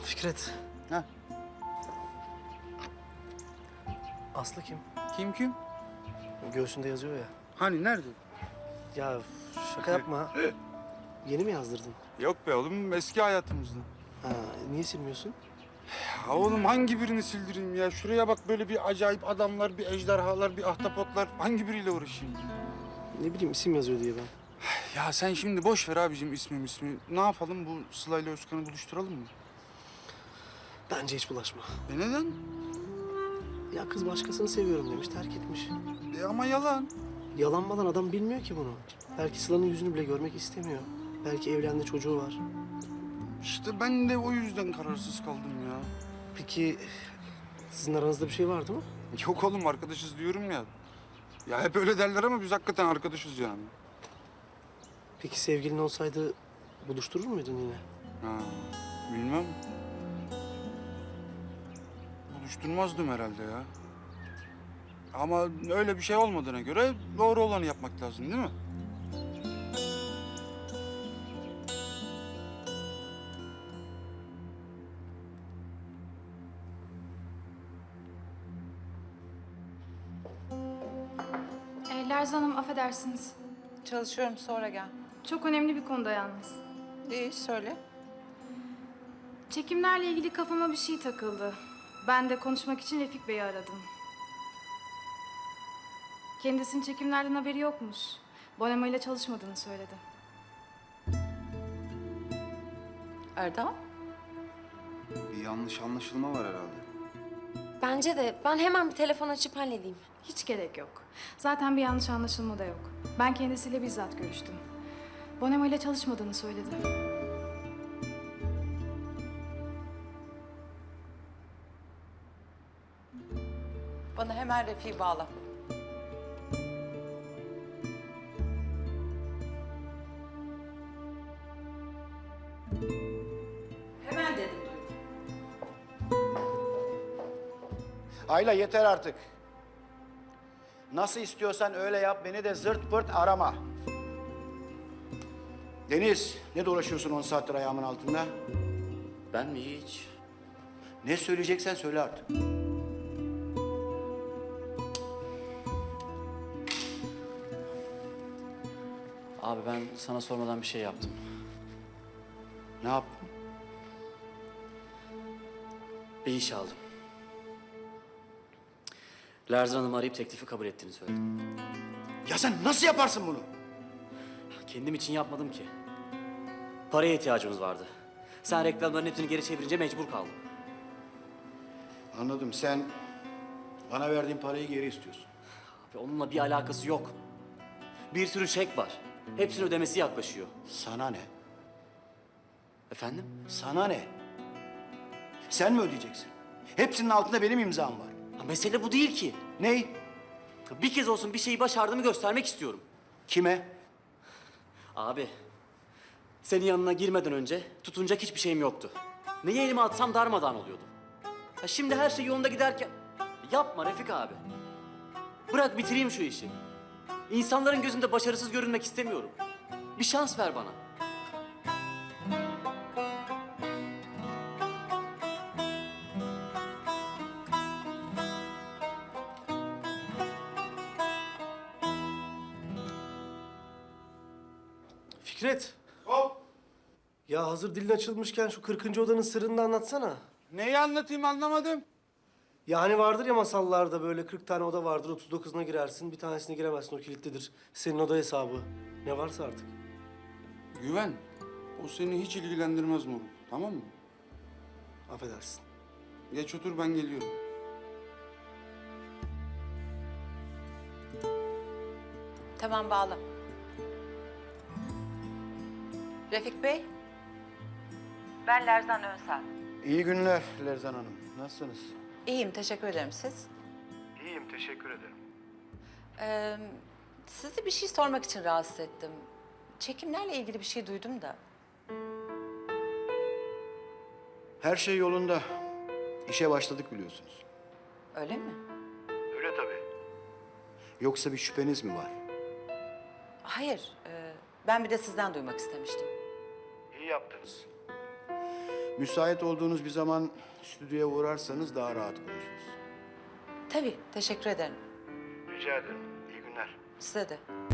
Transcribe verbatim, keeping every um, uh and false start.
Fikret. Ha. Aslı kim? Kim kim? Göğsünde yazıyor ya. Hani nerede? Ya şaka yapma. Yeni mi yazdırdın? Yok be oğlum, eski hayatımızda. Ha, niye silmiyorsun? Ya oğlum hangi birini sildireyim ya? Şuraya bak, böyle bir acayip adamlar, bir ejderhalar, bir ahtapotlar. Hangi biriyle uğraşayım? Ne bileyim isim yazıyor diye ben. Ya sen şimdi boş ver abicim ismim ismi. Ne yapalım, bu Sıla ile Özkan'ı buluşturalım mı? Bence hiç bulaşma. E neden? Ya kız başkasını seviyorum demiş, terk etmiş. E ama yalan. Yalanmadan adam bilmiyor ki bunu. Belki Sıla'nın yüzünü bile görmek istemiyor. Belki evlendi, çocuğu var. İşte ben de o yüzden kararsız kaldım ya. Peki sizin aranızda bir şey vardı mı? Yok oğlum, arkadaşız diyorum ya. Ya hep öyle derler ama biz hakikaten arkadaşız yani. Peki sevgilin olsaydı buluşturur muydun yine? Ha, bilmem. Buluşturmazdım herhalde ya. Ama öyle bir şey olmadığına göre doğru olanı yapmak lazım değil mi? E, Lerzan Hanım affedersiniz. Çalışıyorum, sonra gel. Çok önemli bir konuda yalnız. İyi, söyle. Çekimlerle ilgili kafama bir şey takıldı. Ben de konuşmak için Refik Bey'i aradım. Kendisinin çekimlerden haberi yokmuş. Bonema ile çalışmadığını söyledi. Erdal? Bir yanlış anlaşılma var herhalde. Bence de. Ben hemen bir telefon açıp halledeyim. Hiç gerek yok. Zaten bir yanlış anlaşılma da yok. Ben kendisiyle bizzat görüştüm. Bonema ile çalışmadığını söyledi. Bana hemen Refik'i bağla. Hemen dedim duydum. Ayla yeter artık. Nasıl istiyorsan öyle yap, beni de zırt pırt arama. Deniz, ne dolaşıyorsun on saattir ayağımın altında? Ben mi hiç? Ne söyleyeceksen söyle artık. Abi ben sana sormadan bir şey yaptım. Ne yaptın? Bir iş aldım. Lerzan Hanım'ı arayıp teklifi kabul ettiğini söyledim. Ya sen nasıl yaparsın bunu? Kendim için yapmadım ki. Paraya ihtiyacımız vardı. Sen reklamların hepsini geri çevirince mecbur kaldım. Anladım, sen bana verdiğin parayı geri istiyorsun. Ve onunla bir alakası yok. Bir sürü çek var. Hepsinin ödemesi yaklaşıyor. Sana ne? Efendim? Sana ne? Sen mi ödeyeceksin? Hepsinin altında benim imzam var. Ha, mesele bu değil ki. Ney? Bir kez olsun bir şeyi başardığımı göstermek istiyorum. Kime? Abi, senin yanına girmeden önce tutunacak hiçbir şeyim yoktu. Neyi elime atsam darmadağın oluyordu. Ha, şimdi her şey yolunda giderken... Yapma Refik abi. Bırak bitireyim şu işi. İnsanların gözünde başarısız görünmek istemiyorum. Bir şans ver bana. Fikret. Hop! Ya hazır dilin açılmışken şu kırkıncı odanın sırrını da anlatsana. Neyi anlatayım anlamadım. Ya hani vardır ya masallarda böyle kırk tane oda vardır, otuz dokuzuna girersin, bir tanesine giremezsin, o kilitlidir. Senin oda hesabı. Ne varsa artık. Güven, o seni hiç ilgilendirmez mi oğlum? Tamam mı? Affedersin. Geç otur, ben geliyorum. Tamam, bağla. Refik Bey. Ben Lerzan Önsel. İyi günler Lerzan Hanım. Nasılsınız? İyiyim, teşekkür ederim. Siz? İyiyim, teşekkür ederim. Ee, sizi bir şey sormak için rahatsız ettim. Çekimlerle ilgili bir şey duydum da. Her şey yolunda. İşe başladık biliyorsunuz. Öyle mi? Öyle tabii. Yoksa bir şüpheniz mi var? Hayır, e, ben bir de sizden duymak istemiştim. İyi yaptınız. Müsait olduğunuz bir zaman stüdyoya uğrarsanız daha rahat konuşuruz. Tabii, teşekkür ederim. Rica ederim. İyi günler. Size de.